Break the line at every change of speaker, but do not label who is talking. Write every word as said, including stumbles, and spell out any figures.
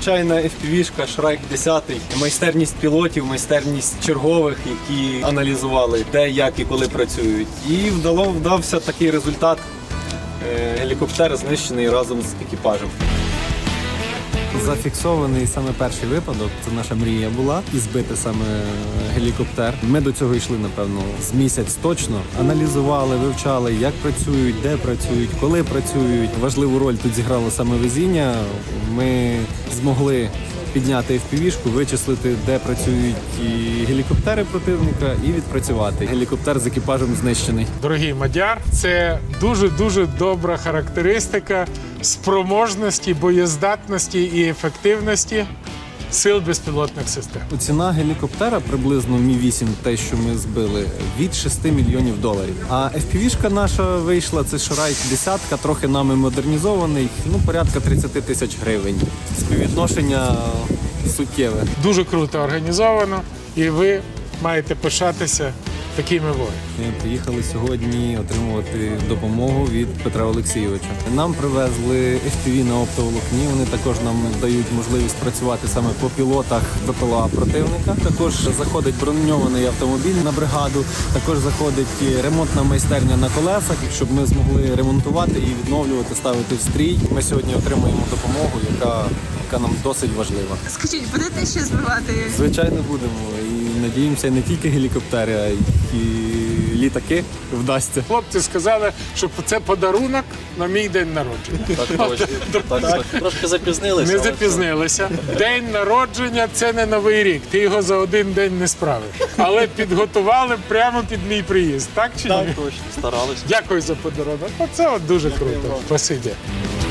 звичайна еф пі ві-шка Шрайк десять, майстерність пілотів, майстерність чергових, які аналізували, де, як і коли працюють. І вдало, вдався такий результат. Гелікоптер знищений разом з екіпажем.
Зафіксований саме перший випадок, це наша мрія була, і збити саме гелікоптер. Ми до цього йшли, напевно, з місяць точно. Аналізували, вивчали, як працюють, де працюють, коли працюють. Важливу роль тут зіграло саме везіння. Ми змогли підняти еф пі ві-шку, вичислити, де працюють і гелікоптери противника, і відпрацювати. Гелікоптер з екіпажем знищений.
Дорогий Мадяр, це дуже-дуже добра характеристика спроможності, боєздатності і ефективності сил безпілотних систем.
Ціна гелікоптера приблизно Мі вісім, те, що ми збили, від шести мільйонів доларів. А еф пі ві-шка наша вийшла, це Шрайк десять, трохи нами модернізований, ну, порядка тридцять тисяч гривень. Співвідношення суттєве.
Дуже круто організовано, і ви маєте пишатися такими воїнами.
Ми приїхали сьогодні отримувати допомогу від Петра Олексійовича. Нам привезли еф пі ві на оптоволокні, вони також нам дають можливість працювати саме по пілотах бе пе ел а противника. Також заходить броньований автомобіль на бригаду, також заходить ремонтна майстерня на колесах, щоб ми змогли ремонтувати і відновлювати, ставити в стрій. Ми сьогодні отримуємо допомогу, яка, яка нам досить важлива.
Скажіть, будете ще збивати?
Звичайно, будемо. І надіємося, не тільки гелікоптери, а й і літаки вдасться.
Хлопці сказали, що це подарунок на мій день народження.
Так точно. Так, так. Трошки запізнилися.
Не
але
запізнилися. День народження – це не Новий рік. Ти його за один день не справиш. Але підготували прямо під мій приїзд. Так чи ні?
Так, точно. Старалися.
Дякую за подарунок. Оце от дуже круто. Спасибі.